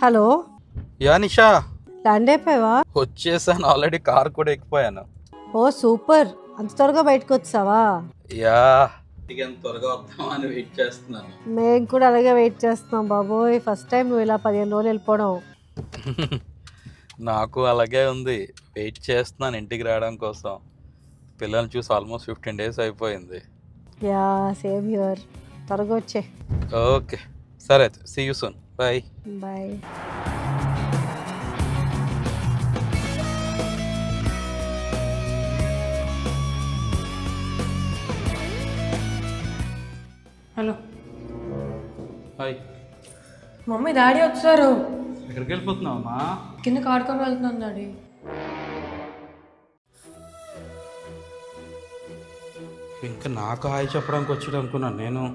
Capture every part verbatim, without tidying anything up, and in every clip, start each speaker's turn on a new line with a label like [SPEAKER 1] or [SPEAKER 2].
[SPEAKER 1] Hello
[SPEAKER 2] yeah Nisha,
[SPEAKER 1] land అయిపోయావా?
[SPEAKER 2] వచ్చేసాను already. Car కూడా ఎక్కిపోయాను.
[SPEAKER 1] ఓ సూపర్, అంత త్వరగా బయటకు వచ్చావా?
[SPEAKER 2] యా, ఇక ఎంత త్వరగా వద్దామని వెయిట్ చేస్తున్నాను.
[SPEAKER 1] మేము కూడా అలాగే వెయిట్ చేస్తున్నాం బాబోయ్. ఫస్ట్ టైం నువ్వు ఇలా పదిహేను రోజులు వెళ్ళిపోవడం.
[SPEAKER 2] నాకు అలాగే ఉంది, వెయిట్ చేస్తున్నాను ఇంటికి రావడం కోసం. పిల్లల్ని చూసి ఆల్మోస్ట్ ఫిఫ్టీన్ డేస్ అయిపోయింది.
[SPEAKER 1] Yeah same here. త్వరగా వచ్చే.
[SPEAKER 2] ఓకే సరే, అయితే see you soon. Bye
[SPEAKER 1] bye.
[SPEAKER 3] Hello
[SPEAKER 2] hi.
[SPEAKER 3] Mummy daddy వచ్చారు.
[SPEAKER 2] ఎక్కడికి వెళ్ళిపోతున్నావు అమ్మా?
[SPEAKER 3] కిందకి ఆడుకొని వెళ్తున్నాను డాడీ.
[SPEAKER 2] ఇంకా నాకు హాయ్ చెప్పడానికి వచ్చాడు అనుకున్నాను నేను.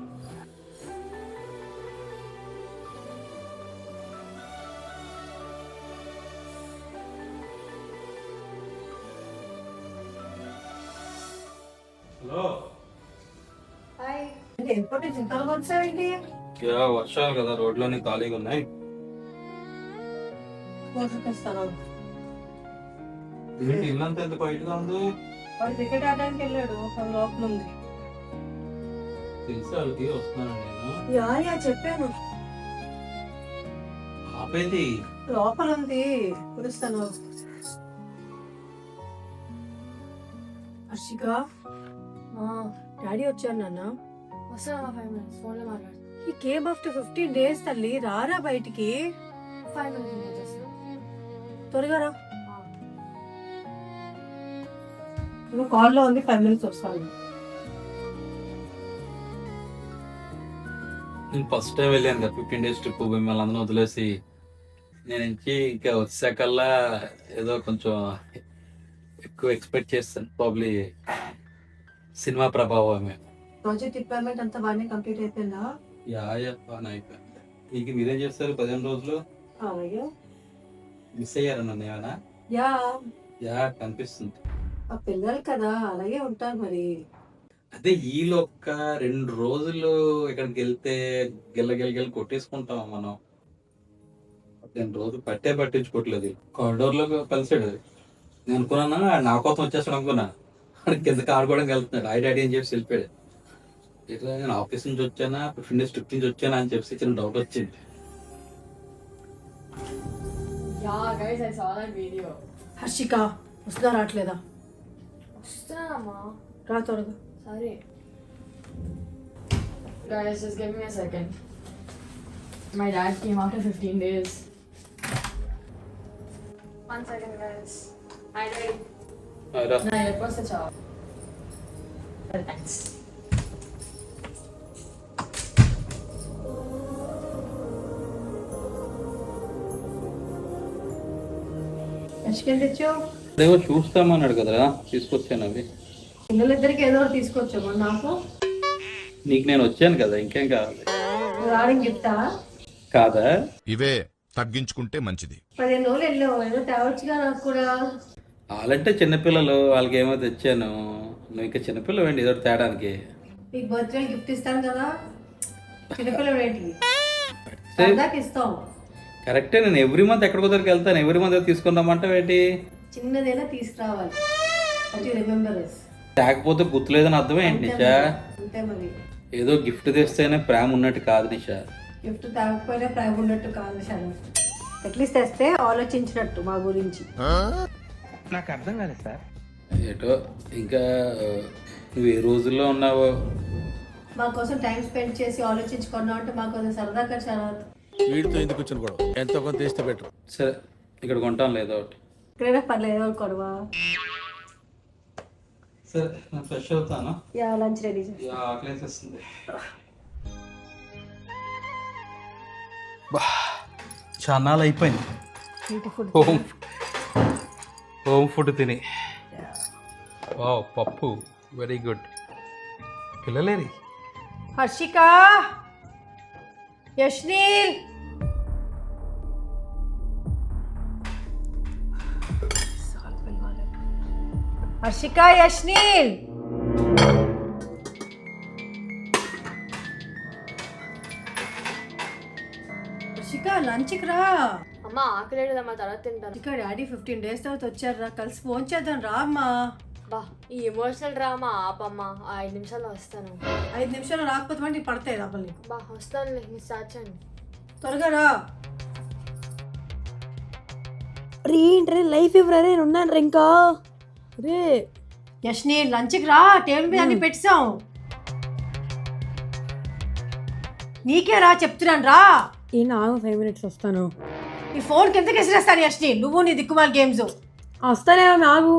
[SPEAKER 2] హలో. యా, వర్షాలు కదా, రోడ్లోనే ఖాళీగా ఉన్నాయి. ఏంటి ఇల్లంతా ఎంత బయటగా ఉంది?
[SPEAKER 1] వాడు క్రికెట్ ఆడడానికి వెళ్ళాడు, లోపల ఉంది.
[SPEAKER 2] తెలిసి వాళ్ళకి వస్తున్నాను నేను.
[SPEAKER 1] యా యా చెప్పాను,
[SPEAKER 2] ఆపేది
[SPEAKER 1] లోపల ఉంది, పిలుస్తాను. హర్షిక, డాడీ వచ్చారు నాన్న.
[SPEAKER 3] వస్తాను ఫైవ్ మినిట్స్ ఫోన్లో మాట్లాడు.
[SPEAKER 1] ఈ కేమ్ ఆఫ్టర్ ఫిఫ్టీన్ డేస్ తల్లి, రారా బయటికి.
[SPEAKER 3] ఫైవ్ మినిట్స్
[SPEAKER 1] త్వరగా రా. నువ్వు కాల్లో ఉంది, ఫైవ్ మినిట్స్ వస్తాను.
[SPEAKER 2] నేను ఫస్ట్ టైం వెళ్ళాను కదా ఫిఫ్టీన్ డేస్ ట్రిప్, మిమ్మల్ని అందరూ వదిలేసి. నేను ఇంచి ఇంకా వచ్చాకల్లా ఏదో కొంచెం ఎక్కువ ఎక్స్పెక్ట్ చేస్తాను. ప్రాబ్లీ సినిమా ప్రభావమే.
[SPEAKER 1] ప్రాజెక్ట్ డిప్లాయ్మెంట్ అంతా బాగానే కంప్లీట్ అయిపోయిందా?
[SPEAKER 2] యా యా, బాగానే అయిపోయింది. ఇంక మీరేం చేస్తారు పదిహేను రోజులు?
[SPEAKER 1] అలాగే.
[SPEAKER 2] మిస్ అయ్యారు నన్ను ఏమైనా?
[SPEAKER 1] యా
[SPEAKER 2] యా, కనిపిస్తుంది.
[SPEAKER 1] ఆ పిల్లలు కదా అలాగే ఉంటారు మరి.
[SPEAKER 2] అదే ఈలో ఒక్క రెండు రోజులు ఇక్కడికి వెళ్తే గిల్ల గిల్ల గిల్ల కొట్టేసుకుంటాం మనం. రెండు రోజులు పట్టే పట్టించుకోవట్లేదు. కారిడోర్ లో కలిసాడు. నేను అనుకున్నాను నా కోసం వచ్చేస్తాడు అనుకున్నా. కిందకి ఆడుకోవడానికి వెళ్తున్నాడు. ఐ డాడీ అని చెప్పి వెళ్ళిపోయాడు. ఇట్లా నేను ఆఫీస్ నుంచి వచ్చానా ఫిఫ్టీన్ డేస్ ట్రిప్ నుంచి వచ్చానా అని చెప్పి చిన్న డౌట్ వచ్చింది.
[SPEAKER 1] హర్షిక వస్తుందా రావట్లేదా?
[SPEAKER 3] వస్తున్నానమ్మా.
[SPEAKER 1] రా త్వరగా.
[SPEAKER 3] సరే guys, just give me a second. My dad came after fifteen days. One second guys. Hi dad. నా ఎయిర్పోర్ట్స్ తెచ్చావా? థ్యాంక్స్.
[SPEAKER 1] హర్షికని తెచ్చావు?
[SPEAKER 2] అదేవో చూస్తామన్నాడు కదరా, తీసుకొచ్చాను అవి.
[SPEAKER 1] పిల్లలిద్దరికి ఏదో ఒకటి తీసుకొచ్చాము. నాకు
[SPEAKER 2] నీకు నేను వచ్చాను కదా, ఇంకేం కావాలి?
[SPEAKER 1] రావడానికి గిఫ్టా
[SPEAKER 2] కాదా?
[SPEAKER 4] ఇవే తగ్గించుకుంటే మంచిది.
[SPEAKER 1] పదిహేను రోజులు వెళ్ళావు, ఏదో తేవచ్చుగా నాకు కూడా.
[SPEAKER 2] వాళ్ళంటే చిన్నపిల్లలు, వాళ్ళకి ఏమో తెచ్చాను. నువ్వు ఇంకా చిన్నపిల్లలు ఏంటి ఏదో తేడానికి?
[SPEAKER 1] మీకు బర్త్డే గిఫ్ట్ ఇస్తాను కదా, చిన్నపిల్లలు ఏంటి సరదాకి ఇస్తాం.
[SPEAKER 2] కరెక్టే, నేను ఎవ్రీ మంత్ ఎక్కడికో దగ్గరికి వెళ్తాను. ఎవ్రీ మంత్ తీసుకుందామంటే ఏంటి?
[SPEAKER 1] చిన్నదైనా తీసుకురావాలి. రిమెంబర్
[SPEAKER 2] లేకపోతే గుర్తులేదని అర్థమే ఏంటి నిషా?
[SPEAKER 1] అంతే మరి.
[SPEAKER 2] ఏదో గిఫ్ట్ తెస్తేనే ప్రేమ ఉన్నట్టు కాదు నిషా.
[SPEAKER 1] గిఫ్ట్ తాగకపోయినా ప్రేమ ఉన్నట్టు కాదు శానా. అట్లీస్ట్ తెస్తే ఆలోచించినట్టు మా గురించి.
[SPEAKER 5] నాకు అర్థం కాలేదు సార్.
[SPEAKER 2] ఏటో ఇంకా నువ్వు ఏ రోజుల్లో ఉన్నావో.
[SPEAKER 1] మా కోసం టైం స్పెండ్ చేసి ఆలోచించుకున్నావు అంటే మాకు కొంచెం సరదాగా చాలా.
[SPEAKER 5] వీడితో ఎందుకు వచ్చిన గొడవ? ఎంతో కొంత తీస్తే బెటర్.
[SPEAKER 2] సరే ఇక్కడ కొంటాను లేదో ఒకటి.
[SPEAKER 1] ఇక్కడైనా పర్లేదు, కొడవా.
[SPEAKER 2] సరే నేను ఫ్రెష్ అవుతాను.
[SPEAKER 1] యా లంచ్ రెడీ చేసి.
[SPEAKER 2] యా, ఆకలేసేస్తుంది. చాన్నాళ్ళు అయిపోయింది
[SPEAKER 1] బ్యూటిఫుల్
[SPEAKER 2] హోమ్ హోమ్ ఫుడ్ తిని. వావ్, పప్పు వెరీ గుడ్. పిల్లలేరి?
[SPEAKER 1] హర్షిక, యష్నీల్, హర్షిక, యష్నీల్. హర్షిక, లంచ్కి రా.
[SPEAKER 3] అమ్మ ఆకలి లేదమ్మా, తర్వాత తింటాను.
[SPEAKER 1] ఇక్కడ డాడీ ఫిఫ్టీన్ డేస్ తర్వాత వచ్చారు రా, కలిసి ఫోన్ చేద్దాం రా అమ్మా.
[SPEAKER 3] బా ఈ ఎమోషనల్ డ్రామా ఆపమ్మా, ఆ ఐదు నిమిషాల్లో వస్తాను.
[SPEAKER 1] ఐదు నిమిషాలు రాకపోతే వాడిని పడతాయి లోపల నీకు.
[SPEAKER 3] బా వస్తానులే, మీరు స్టార్ట్ చేయండి.
[SPEAKER 1] త్వరగా రా.
[SPEAKER 3] రే ఏంట్రే లైఫ్ ఇవ్వరా, నేను ఉన్నాను ఇంకా. రే
[SPEAKER 1] యష్ని లంచ్కి రా, టేబుల్ మీద అన్ని పెట్టాం. నీకే రా చెప్తున్నాను రా.
[SPEAKER 3] ఈ నాకు ఫైవ్ మినిట్స్ వస్తాను.
[SPEAKER 1] నీ ఫోన్ కిందకి విసిరేస్తాను యష్ని, నువ్వు నీ దిక్కుమాల గేమ్స్.
[SPEAKER 3] వస్తానేమో నాకు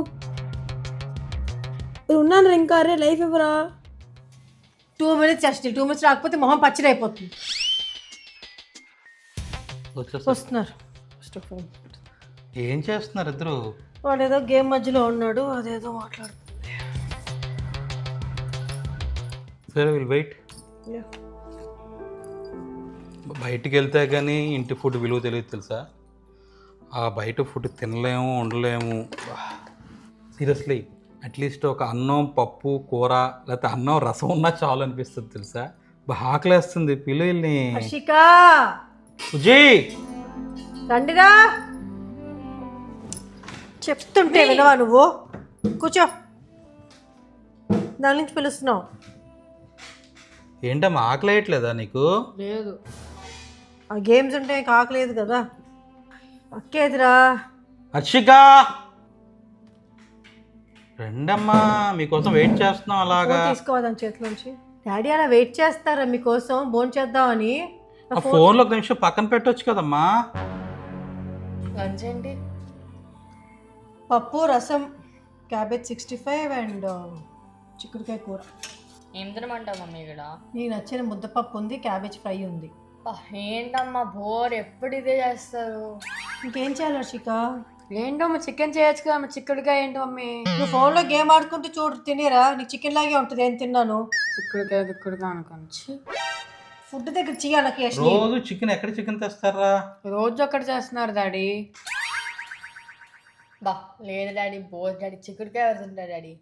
[SPEAKER 3] ఉన్నాను ఇంకా. రే లైఫ్ ఇవ్వరా.
[SPEAKER 1] Two minutes Yashni, two minutes రాకపోతే మొహం పచ్చడి అయిపోతుంది. వస్తున్నారు. ఫోన్
[SPEAKER 2] ఏం చేస్తున్నారు ఇద్దరు?
[SPEAKER 1] వాడు ఏదో గేమ్ మధ్యలో ఉన్నాడు, అదేదో మాట్లాడుతుంది.
[SPEAKER 2] సరే విల్ వెయిట్. బయటికి వెళ్తే కానీ ఇంటి ఫుడ్ విలువ తెలియదు తెలుసా. ఆ బయట ఫుడ్ తినలేము, ఉండలేము. సీరియస్లీ అట్లీస్ట్ ఒక అన్నం పప్పు కూర లేకపోతే అన్నం రసం ఉన్నా చాలు అనిపిస్తుంది తెలుసా. బాగా ఆకలేస్తుంది, పిల్లల్ని.
[SPEAKER 1] హర్షిక
[SPEAKER 2] సుజయ్
[SPEAKER 1] రండిరా. చెప్తుంటే వినవా నువ్వు? కూర్చో. దాని నుంచి పిలుస్తున్నావు.
[SPEAKER 2] ఏంటమ్మా ఆకలేయట్లేదా నీకు?
[SPEAKER 3] లేదు.
[SPEAKER 1] ఆ గేమ్స్ ఉంటే కాకలేదు కదా. అక్కేదిరా.
[SPEAKER 2] హర్షిక రండమ్మా, మీకోసం వెయిట్ చేస్తున్నాం. అలాగా
[SPEAKER 1] తీసుకోవద్దాం చేతిలోంచి. డాడీ అలా వెయిట్ చేస్తారా మీకోసం భోజనం చేద్దామని?
[SPEAKER 2] ఆ ఫోన్లో ఒక నిమిషం పక్కన పెట్టొచ్చు కదమ్మా.
[SPEAKER 3] లంచ్ ఏంటి?
[SPEAKER 1] పప్పు రసం, క్యాబేజ్ సిక్స్టీ ఫైవ్ అండ్ చిక్కుడుకాయ కూర.
[SPEAKER 3] ఏం తినమంటావు మమ్మీ ఇక్కడ?
[SPEAKER 1] నీకు నచ్చిన ముద్దపప్పు ఉంది, క్యాబేజ్ ఫ్రై ఉంది.
[SPEAKER 3] ఏంటమ్మా బోర్, ఎప్పుడు ఇదే చేస్తారు.
[SPEAKER 1] ఇంకేం చేయాలి హర్షిక?
[SPEAKER 3] ఏంటమ్మా చికెన్ చేయొచ్చు కదా, చిక్కుడుకాయ ఏంటి మమ్మీ?
[SPEAKER 1] నువ్వు ఫోన్లో గేమ్ ఆడుకుంటూ చూడు, తినేరా. నీకు చికెన్ లాగే ఉంటుంది. ఏం తిన్నాను?
[SPEAKER 3] చిక్కుడుకాయ చిక్కుడుకాయ అనుకోండి.
[SPEAKER 1] ఫుడ్ దగ్గర చేయాలకి.
[SPEAKER 2] రోజు చికెన్ ఎక్కడ చికెన్ తెస్తారా?
[SPEAKER 3] రోజు అక్కడ చేస్తున్నారు డాడీ. బా లేదు డాడీ, బోర్ డాడీ. చిక్కుడుకాయ ఎవరు తింటారు డాడీ?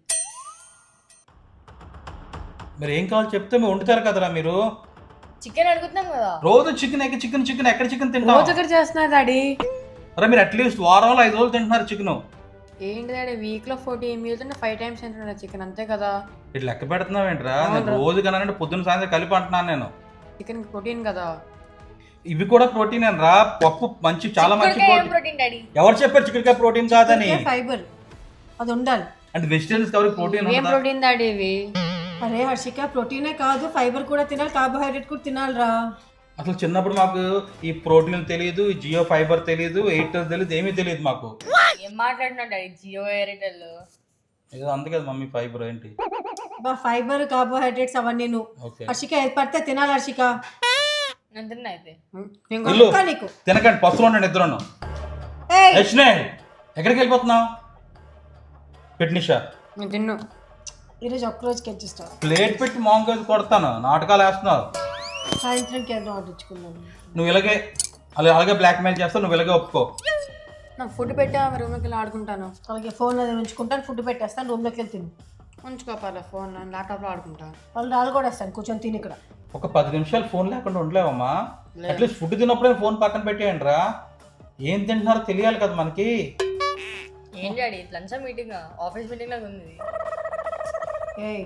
[SPEAKER 2] మీరు ఏం కావాలి చెప్తే మీరు వండుతారు కదరా మీరు.
[SPEAKER 3] చికెన్ అడుగుతున్నాం కదా.
[SPEAKER 2] రోజు చికెన్ ఎక్కడ చికెన్ చికెన్ ఎక్కడ చికెన్ తింటారు?
[SPEAKER 3] రోజు అక్కడ చేస్తున్నారు డాడీ.
[SPEAKER 2] అరే మీరు అట్లీస్ట్ వారంలో ఐదు రోజులు తింటున్నారు చికెన్.
[SPEAKER 3] ఏంటి డాడీ వీక్ లో ఫోర్టీన్ మీల్స్ అంటే ఫైవ్ టైమ్స్ తింటున్నారు చికెన్, అంతే కదా.
[SPEAKER 2] ఇట్లా లెక్క పెడుతున్నావు ఏంట్రా? నేను రోజు కన్నా పొద్దున్న సాయంత్రం కలిపి అంటున్నాను నేను.
[SPEAKER 3] చికెన్ ప్రోటీన్ కదా.
[SPEAKER 2] ఇవి కూడా ప్రోటీన్ అని రా. పప్పు మంచి చాలా మంచి
[SPEAKER 3] ప్రోటీన్ డాడీ.
[SPEAKER 2] ఎవరు చెప్పారు చికెన్ ప్రోటీన్ కాదని?
[SPEAKER 1] ఫైబర్ అది ఉండాలి.
[SPEAKER 2] అంటే వెజిటేబుల్స్ ఎవరికి ప్రోటీన్
[SPEAKER 3] ఏం ప్రోటీన్ డాడీ ఇవి?
[SPEAKER 1] అరే హర్షిక, ప్రోటీనే కాదు ఫైబర్ కూడా తినాలి, కార్బోహైడ్రేట్ కూడా తినాలిరా.
[SPEAKER 2] అసలు చిన్నప్పుడు మాకు ఈ ప్రోటీన్ తెలియదు, ఈ జియో ఫైబర్ తెలియదు, ఎయిర్టెల్ తెలియదు, ఏమీ తెలియదు మాకు.
[SPEAKER 3] ఏం మాట్లాడుతున్నాడు డాడీ? జియో ఎయిర్టెల్
[SPEAKER 2] ఏదో అంతే కదా మమ్మీ. ఫైబర్ ఏంటి?
[SPEAKER 1] బా ఫైబర్ కార్బోహైడ్రేట్స్ అవన్నీ నువ్వు. హర్షిక ఏది పడితే తినాలి హర్షిక.
[SPEAKER 3] నేను తిన్నా అయితే.
[SPEAKER 1] నీకు
[SPEAKER 2] తినకండి, పసులు ఉండండి ఇద్దరు. ఎక్కడికి వెళ్ళిపోతున్నావు? పెట్టినిషా
[SPEAKER 3] నేను తిన్ను.
[SPEAKER 1] ఈరోజు ఒక్కరోజుకి వచ్చేస్తావు.
[SPEAKER 2] ప్లేట్ పెట్టి మాంగోజ్ కొడతాను. నాటకాలు వేస్తున్నావు.
[SPEAKER 1] సాయంత్రంకి ఏదో ఆర్డర్ ఇచ్చుకున్నాను.
[SPEAKER 2] నువ్వు ఇలాగే అలా అలాగే బ్లాక్ మెయిల్ చేస్తావు. నువ్వు ఇలాగే ఒప్పుకో.
[SPEAKER 3] నాకు ఫుడ్ పెట్టా, రూమ్లోకి వెళ్ళి ఆడుకుంటాను.
[SPEAKER 1] అలాగే ఫోన్ అది ఉంచుకుంటాను, ఫుడ్ పెట్టేస్తాను, రూమ్లోకి వెళ్ళి తిను.
[SPEAKER 3] ఉంచుకోపాలి ఫోన్, ల్యాప్టాప్లో ఆడుకుంటా.
[SPEAKER 1] వాళ్ళు రాళ్ళు కూడా వేస్తాను, కూర్చొని తిని ఇక్కడ.
[SPEAKER 2] ఒక పది నిమిషాలు ఫోన్ లేకుండా ఉండలేవమ్మా? అట్లీస్ట్ ఫుడ్ తిన్నప్పుడే ఫోన్ పక్కన పెట్టేయండి రా. ఏం తింటున్నారో తెలియాలి కదా మనకి.
[SPEAKER 3] ఏం daddy lunch meeting? Office meeting లాగా ఉంది.
[SPEAKER 1] ఏయ్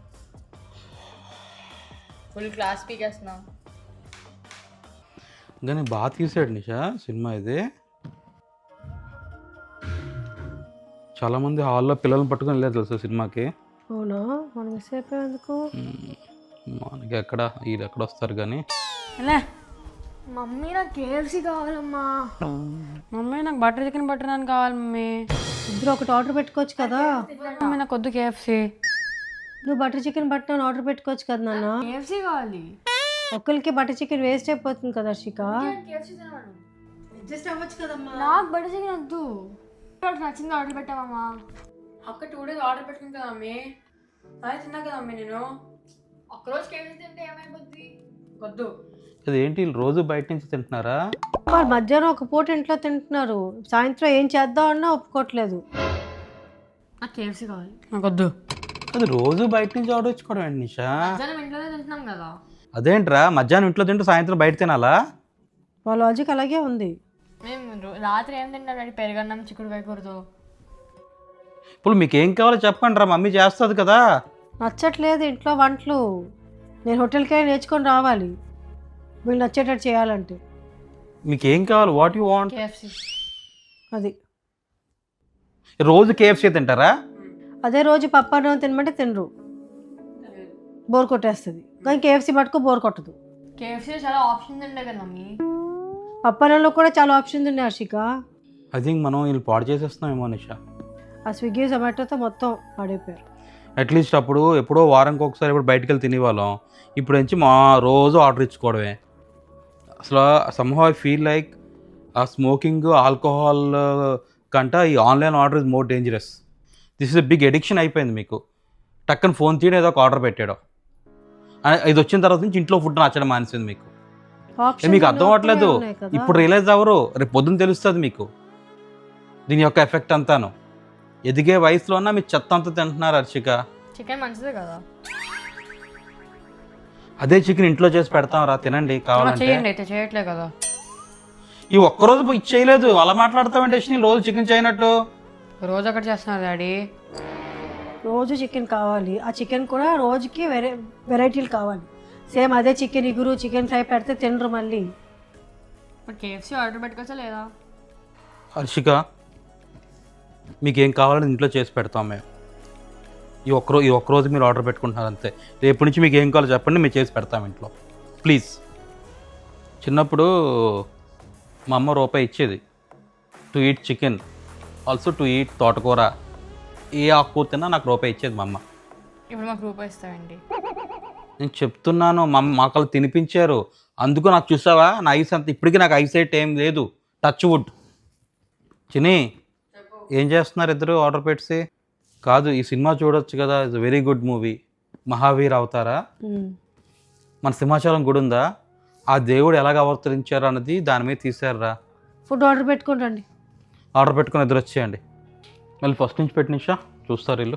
[SPEAKER 3] ఫుల్ క్లాస్ పీకేస్తున్నా.
[SPEAKER 2] కానీ బాగా తీసాడు నిషా సినిమా ఇది. చాలా మంది హాల్లో పిల్లల్ని పట్టుకొని వెళ్ళారు తెలుసా సినిమాకి.
[SPEAKER 1] అవునా? మనం సేపు ఎందుకు?
[SPEAKER 2] మనకి ఎక్కడ వీళ్ళు ఎక్కడ వస్తారు కానీ.
[SPEAKER 3] మమ్మీ నాకు కేఎఫ్సీ కావాలమ్మా. మమ్మీ నాకు బటర్ చికెన్ బటర్ నాన్ కావాలి మమ్మీ.
[SPEAKER 1] ఇద్దరు ఒకటి ఆర్డర్ పెట్టుకోవచ్చు కదా.
[SPEAKER 3] మమ్మీ నాకు వద్దు కేఎఫ్సీ.
[SPEAKER 1] నువ్వు butter chicken butter naan order పెట్టుకోవచ్చు కదా నాన్న.
[SPEAKER 3] కేఎఫ్సీ కావాలి.
[SPEAKER 1] ఒక్కరికి బటర్ చికెన్ వేస్ట్ అయిపోతుంది కదా హర్షిక. అడ్జస్ట్ అవ్వచ్చు కదమ్మా.
[SPEAKER 3] నాకు బటర్ చికెన్ వద్దు. నచ్చింది ఆర్డర్ పెట్టామమ్మా. అక్క టూ డేస్ ఆర్డర్ పెట్టుకుంది కదా మమ్మీ. అదే తిన్నా కదా మమ్మీ నేను. ఒక్కరోజు కేఎఫ్సీ తింటే ఏమైపోద్ది? వద్దు.
[SPEAKER 2] అదేంటి రోజు బయట నుంచి తింటున్నారా?
[SPEAKER 1] వాళ్ళు మధ్యాహ్నం ఒక పూట ఇంట్లో తింటున్నారు, సాయంత్రం ఏం చేద్దాం అన్నా ఒప్పుకోవట్లేదు.
[SPEAKER 3] నాకు కేఎఫ్సీ కావాలి. నాకు వద్దు.
[SPEAKER 2] అది రోజు బయట నుంచి ఆర్డర్ ఇచ్చుకోవడం ఏంటి నిషా?
[SPEAKER 3] మధ్యాహ్నం ఇంట్లోనే తింటున్నాం కదా.
[SPEAKER 2] అదేంట్రా మధ్యాహ్నం ఇంట్లో తింటూ సాయంత్రం బయట తినాలా?
[SPEAKER 1] వాళ్ళ లాజిక్ అలాగే ఉంది.
[SPEAKER 3] మేము రో- రాత్రి ఏం తింటాం డాడీ? పెరుగన్నం చిక్కుడుకాయ కూరతో.
[SPEAKER 2] ఇప్పుడు మీకు ఏం కావాలో చెప్పండి రా, మమ్మీ చేస్తుంది కదా.
[SPEAKER 1] నచ్చట్లేదు ఇంట్లో వంటలు. నేను హోటల్కి వెళ్ళి నేర్చుకొని రావాలి వీళ్ళు నచ్చేటట్టు చేయాలంటే.
[SPEAKER 2] మీకు ఏం కావాలి? What you want?
[SPEAKER 3] కేఎఫ్సి.
[SPEAKER 1] అది
[SPEAKER 2] రోజు కేఎఫ్సీ తింటారా?
[SPEAKER 1] అదే రోజు పప్పు అన్నం తినమంటే తినరు, బోర్ కొట్టేస్తుంది. కానీ కేఎఫ్సీ పట్టుకో బోర్ కొట్టదు.
[SPEAKER 3] కేఎఫ్సీలో చాలా ఆప్షన్స్ ఉంటాయి కదా మమ్మీ.
[SPEAKER 1] పప్పు అన్నంలో కూడా చాలా ఆప్షన్స్ ఉన్నాయి హర్షిక.
[SPEAKER 2] ఐ థింక్ మనం వీళ్ళు పాడు చేసేస్తున్నామేమో నిషా.
[SPEAKER 1] ఆ స్విగ్గీ జొమాటోతో మొత్తం పాడైపోయారు.
[SPEAKER 2] అట్లీస్ట్ అప్పుడు ఎప్పుడో వారానికి ఒకసారి ఇప్పుడు బయటకు వెళ్ళి తినేవాళ్ళం. ఇప్పుడు నుంచి మా రోజు ఆర్డర్ ఇచ్చుకోవడమే. అసలు somehow I feel like ah smoking alcohol కంట ఈ online order is more dangerous. This is a big addiction అయిపోయింది మీకు. టక్కన ఫోన్ తీయడం ఏదో ఒక ఆర్డర్ పెట్టాడు, ఇది వచ్చిన తర్వాత నుంచి ఇంట్లో ఫుడ్ నచ్చడం మానేసింది మీకు.
[SPEAKER 1] Options
[SPEAKER 2] మీకు అర్థం అవ్వట్లేదు.
[SPEAKER 1] ఉన్నాయి కదా.
[SPEAKER 2] ఇప్పుడు రియలైజ్ అవ్వరు, రేపు పొద్దున్న తెలుస్తుంది మీకు దీని యొక్క ఎఫెక్ట్ అంతాను. ఎదిగే వయసులో ఉన్న మీరు చెత్త అంతా తింటున్నారు హర్షిక.
[SPEAKER 3] చికెన్ మంచిదే కదా.
[SPEAKER 2] అదే చికెన్ ఇంట్లో చేసి పెడతాం రా, తినండి కావాలంటే.
[SPEAKER 3] చేయండి అయితే, చేయట్లే కదా.
[SPEAKER 2] ఈ ఒక్కరోజు ఇది చేయలేదు, అలా మాట్లాడతామంటే రోజు చికెన్ చేయనట్టు.
[SPEAKER 3] రోజు అక్కడ చేస్తున్నారు డాడీ.
[SPEAKER 1] రోజు చికెన్ కావాలి, ఆ చికెన్ కూడా రోజుకి వెరై వెరైటీలు కావాలి. సేమ్ అదే చికెన్ ఇగురు చికెన్ ఫ్రై పెడితే తినరు మళ్ళీ.
[SPEAKER 3] మరి కేఎఫ్సీ ఆర్డర్ పెట్టుకోవచ్చా లేదా?
[SPEAKER 2] హర్షిక మీకేం కావాలని ఇంట్లో చేసి పెడతాం మేము. ఈ ఒక్కరో ఈ ఒక్కరోజు మీరు ఆర్డర్ పెట్టుకుంటున్నారు అంతే. రేపు నుంచి మీకు ఏం కావాలో చెప్పండి, మేము చేసి పెడతాం ఇంట్లో ప్లీజ్. చిన్నప్పుడు మా అమ్మ రూపాయి ఇచ్చేది to eat chicken, also to eat తోటకూర, ఏ ఆకుకూర తిన్నా నాకు రూపాయి ఇచ్చేది మా అమ్మ.
[SPEAKER 3] ఇప్పుడు మాకు రూపాయి ఇస్తామండి.
[SPEAKER 2] నేను చెప్తున్నాను, మా మాకు వాళ్ళు తినిపించారు, అందుకు నాకు చూసావా నా ఐస్ అంత. ఇప్పటికీ నాకు ఐసైట్ ఏం లేదు, టచ్ వుడ్. చిని ఏం చేస్తున్నారు ఇద్దరు ఆర్డర్ పెట్టి? కాదు, ఈ సినిమా చూడొచ్చు కదా, it's very good movie. Mahavir Avatara, మన సింహాచలం గుడి ఉందా, ఆ దేవుడు ఎలాగ అవతరించారు అన్నది దాని మీద తీసారా.
[SPEAKER 1] ఫుడ్ ఆర్డర్ పెట్టుకుని రండి.
[SPEAKER 2] ఆర్డర్ పెట్టుకుని ఎదురు వచ్చేయండి. మళ్ళీ ఫస్ట్ నుంచి పెట్టి నిషా చూస్తారు వీళ్ళు.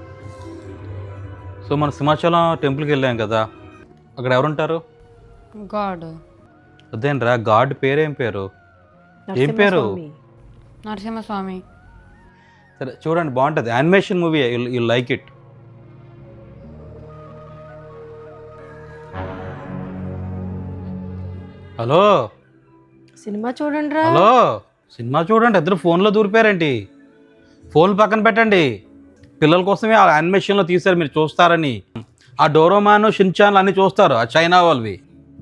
[SPEAKER 2] సో మన సింహాచలం టెంపుల్కి వెళ్ళాం కదా, అక్కడ ఎవరుంటారు?
[SPEAKER 3] గాడ్.
[SPEAKER 2] అదేంట్రా గాడ్ పేరేం పేరు? ఏం పేరు?
[SPEAKER 3] నరసింహస్వామి.
[SPEAKER 2] సరే చూడండి, బాగుంటుంది, animation movie, you like it. Hello
[SPEAKER 1] సినిమా చూడండి రా.
[SPEAKER 2] హలో సినిమా చూడండి. ఇద్దరు ఫోన్లో దూరిపోయారేంటి? ఫోన్ పక్కన పెట్టండి. పిల్లల కోసమే ఆ యానిమేషన్లో తీశారు, మీరు చూస్తారని. ఆ డోరోమాన్ షిన్చాన్లు అన్నీ చూస్తారు, ఆ చైనా వాళ్ళవి.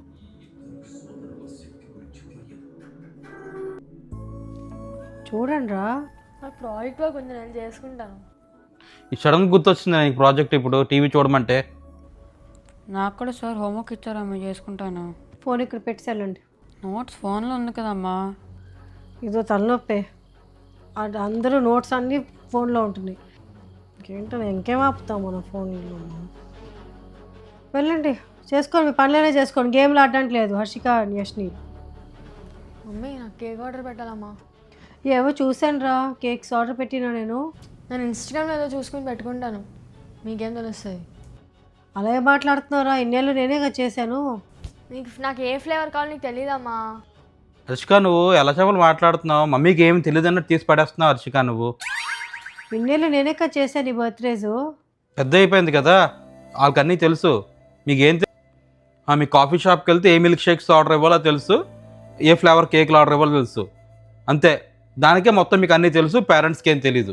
[SPEAKER 1] చూడండి రా.
[SPEAKER 3] నాకు ప్రాజెక్ట్ వర్క్ ఉంది, నేను చేసుకుంటాను.
[SPEAKER 2] ఈ సడన్గా గుర్తొచ్చింది నాకు ప్రాజెక్ట్ ఇప్పుడు టీవీ చూడమంటే.
[SPEAKER 3] నాకు కూడా సార్ హోంవర్క్ ఇచ్చారా, మేము చేసుకుంటాను.
[SPEAKER 1] ఫోన్ ఇక్కడ పెట్టి వెళ్ళండి.
[SPEAKER 3] నోట్స్ ఫోన్లో ఉంది కదమ్మా.
[SPEAKER 1] ఇదో తలనొప్పే, అది అందరూ నోట్స్ అన్నీ ఫోన్లో ఉంటున్నాయి. ఇంకేంటో ఇంకేం ఆపుతాం మనం ఫోన్లో. వెళ్ళండి చేసుకోండి, మీ పనులనే చేసుకోండి, గేమ్లు ఆడడానికి లేదు హర్షిక యష్ని.
[SPEAKER 3] మమ్మీ నాకు కేక్ ఆర్డర్ పెట్టాలమ్మా.
[SPEAKER 1] ఏవో చూశాను రా, కేక్స్ ఆర్డర్ పెట్టినా నేను.
[SPEAKER 3] నేను ఇన్స్టాగ్రామ్లో ఏదో చూసుకుని పెట్టుకుంటాను, మీకేం తెలుస్తుంది?
[SPEAKER 1] అలాగే మాట్లాడుతున్నారా, ఇన్నేళ్ళు నేనేగా చేశాను.
[SPEAKER 3] నీకు నాకు ఏ ఫ్లేవర్ కావాలో నీకు తెలియదమ్మా.
[SPEAKER 2] హర్షిక నువ్వు ఎలా చెప్పలు మాట్లాడుతున్నావు? మమ్మీకి ఏమి తెలియదు అన్నట్టు తీసి పడేస్తున్నావు హర్షిక నువ్వు.
[SPEAKER 1] ఇన్నేళ్ళు నేనేగా చేశాను ఈ బర్త్డేస్.
[SPEAKER 2] పెద్ద అయిపోయింది కదా, వాళ్ళకి అన్నీ తెలుసు. మీకేం తెలుసు? మీ కాఫీ షాప్కి వెళ్తే ఏ మిల్క్ షేక్స్ ఆర్డర్ ఇవ్వాలో తెలుసు, ఏ ఫ్లేవర్ కేక్లు ఆర్డర్ ఇవ్వాలో తెలుసు, అంతే. దానికే మొత్తం మీకు అన్నీ తెలుసు, పేరెంట్స్కి ఏం తెలీదు.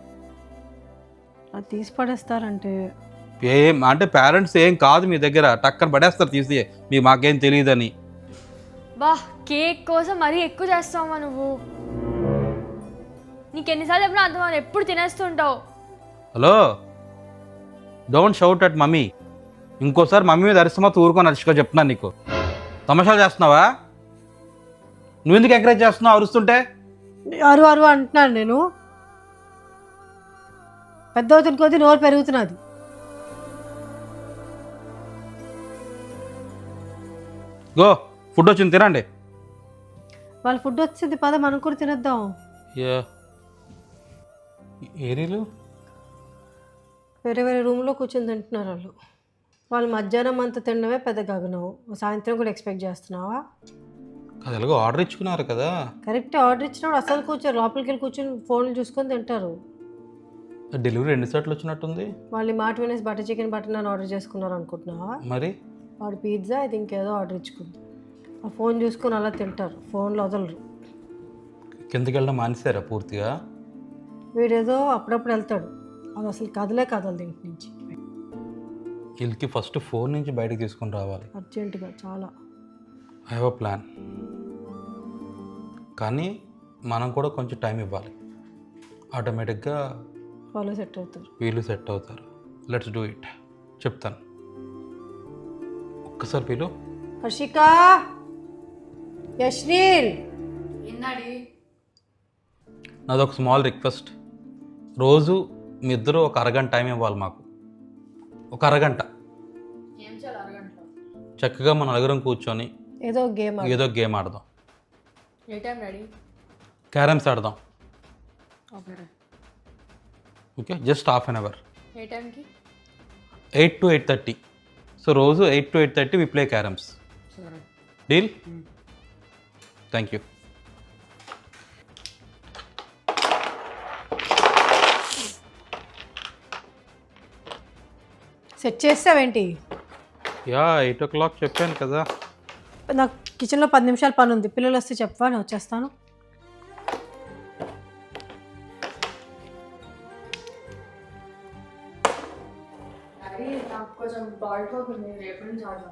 [SPEAKER 1] అది తీసి పడేస్తారంటే
[SPEAKER 2] ఏం అంటే పేరెంట్స్ ఏం కాదు మీ దగ్గర, టక్కన పడేస్తారు తీసి, మీ మాకేం తెలియదని.
[SPEAKER 3] బా కేక్ కోసం మరీ ఎక్కువ చేస్తావమ్మా నువ్వు. నీకు ఎన్నిసార్లు చెప్పినా అర్థం అవ్వదు, ఎప్పుడు తినేస్తుంటావు.
[SPEAKER 2] Hello don't shout at mummy. ఇంకోసారి మమ్మీ మీద అరిస్తమా ఊరుకొని హర్షిక చెప్తున్నాను నీకు. తమాషాలు చేస్తున్నావా? నువ్వు ఎందుకు ఎంకరేజ్ చేస్తున్నావు అరుస్తుంటే?
[SPEAKER 1] అరు అరు అంటున్నాను నేను. పెద్ద అవుతున్న కొద్దీ నోరు పెరుగుతున్నది.
[SPEAKER 2] గో ఫుడ్ వచ్చింది తినండి.
[SPEAKER 1] వాళ్ళ ఫుడ్ వచ్చింది, పద మనం కూడా తినేద్దాం.
[SPEAKER 2] ఏరీలు
[SPEAKER 1] వేరే వేరే రూమ్లో కూర్చొని తింటున్నారు వాళ్ళు. వాళ్ళు మధ్యాహ్నం అంతా తినడమే పెద్ద గగనం, సాయంత్రం కూడా ఎక్స్పెక్ట్ చేస్తున్నావా?
[SPEAKER 2] అది ఎలాగో ఆర్డర్ ఇచ్చుకున్నారు కదా.
[SPEAKER 1] కరెక్ట్, ఆర్డర్ ఇచ్చినప్పుడు అసలు కూర్చోరు, లోపలికి వెళ్ళి కూర్చొని ఫోన్లు చూసుకొని తింటారు.
[SPEAKER 2] డెలివరీ ఎన్ని సార్లు వచ్చినట్టుంది.
[SPEAKER 1] వాళ్ళు మాట వినేసి butter chicken butter naan order చేసుకున్నారు అనుకుంటున్నావా?
[SPEAKER 2] మరి
[SPEAKER 1] వాడు పిజ్జా ఇది ఇంకేదో ఆర్డర్ ఇచ్చుకుంది. ఆ ఫోన్ చూసుకొని అలా తింటారు, ఫోన్లో వదలరు.
[SPEAKER 2] కిందకి వెళ్ళడం మానేశారా పూర్తిగా?
[SPEAKER 1] వీడేదో అప్పుడప్పుడు వెళ్తాడు, అది అసలు కదలే కదలదు ఇంటి నుంచి.
[SPEAKER 2] వీళ్ళకి ఫస్ట్ ఫోన్ నుంచి బయటకు తీసుకొని రావాలి
[SPEAKER 1] అర్జెంటుగా చాలా.
[SPEAKER 2] ఐ హ్యావ్ అ ప్లాన్, కానీ మనం కూడా కొంచెం టైం ఇవ్వాలి. ఆటోమేటిక్గా
[SPEAKER 1] వాళ్ళు సెట్ అవుతారు,
[SPEAKER 2] వీళ్ళు సెట్ అవుతారు. Let's do it. చెప్తాను, ఒక్కసారి వీళ్ళు.
[SPEAKER 1] హర్షిక, యశ్నీల్,
[SPEAKER 3] ఎన్నాడి
[SPEAKER 2] నాదొక స్మాల్ రిక్వెస్ట్. రోజు మీ ఇద్దరు ఒక అరగంట టైం ఇవ్వాలి మాకు. ఒక అరగంట
[SPEAKER 3] ఏం చేయాలి అరగంటలో?
[SPEAKER 2] చక్కగా మన నలుగురం కూర్చొని
[SPEAKER 1] ఏదో గేమ్
[SPEAKER 2] ఏదో గేమ్ ఆడదాం.
[SPEAKER 3] ఏ టైం డాడీ?
[SPEAKER 2] క్యారమ్స్ ఆడదాం.
[SPEAKER 3] Okay.
[SPEAKER 2] Okay, just half an hour.
[SPEAKER 3] ఏ టైంకి?
[SPEAKER 2] Eight to eight thirty. So రోజు eight to eight thirty we play carroms.
[SPEAKER 3] సరే.
[SPEAKER 2] డీల్? Thank you.
[SPEAKER 1] సెట్ చేస్తావేంటి?
[SPEAKER 2] యా, ఎయిట్ ఓ క్లాక్ చెప్పాను కదా.
[SPEAKER 1] నాకు కిచెన్లో పది నిమిషాలు పని ఉంది, పిల్లలు వస్తే చెప్పవా, నేను వచ్చేస్తాను.
[SPEAKER 3] డాడీ నాకు కొంచెం బాడీ వర్క్ ఉంది, రేపు నుంచి ఆడదాం.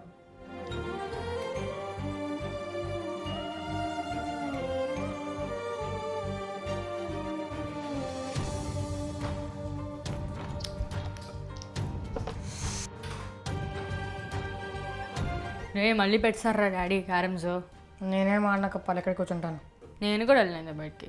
[SPEAKER 3] రే మళ్ళీ పెట్టారా డాడీ క్యారమ్స్?
[SPEAKER 1] నేనేం ఆడినాక పలు ఎక్కడికి కూర్చుంటాను.
[SPEAKER 3] నేను కూడా వెళ్ళింది బయటికి.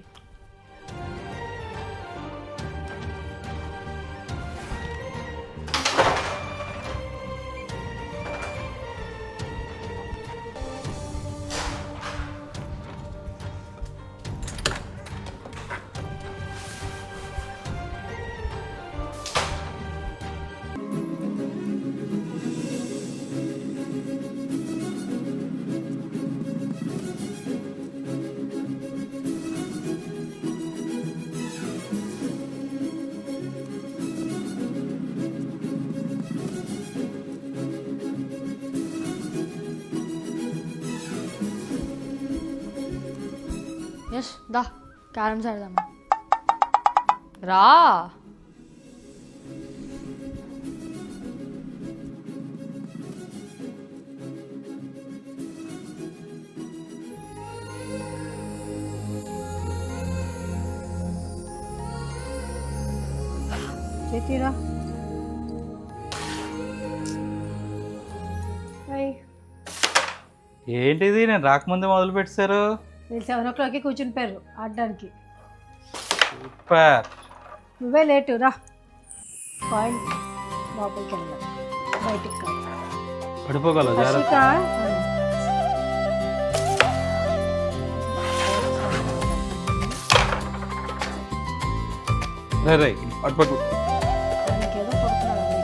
[SPEAKER 3] యష్ దా క్యారమ్స్ ఆడదామా? రా.
[SPEAKER 1] చేతిరా.
[SPEAKER 2] ఏంటిది, నేను రాకముందే మొదలు పెట్టారు?
[SPEAKER 1] మీరు సెవెన్ ఓ క్లాక్కి కూర్చుని పోయారు ఆడడానికి.
[SPEAKER 2] సూపర్.
[SPEAKER 1] నువ్వే లేటు రా. పాయింట్ లోపలికి వెళ్ళాలి, బయటికి కాదు.
[SPEAKER 2] పడిపోగలవు
[SPEAKER 1] హర్షిక,
[SPEAKER 2] జాగ్రత్త. రే రే, అటు పట్టు.
[SPEAKER 1] ఆయనకేదో కొడుతున్నాడు.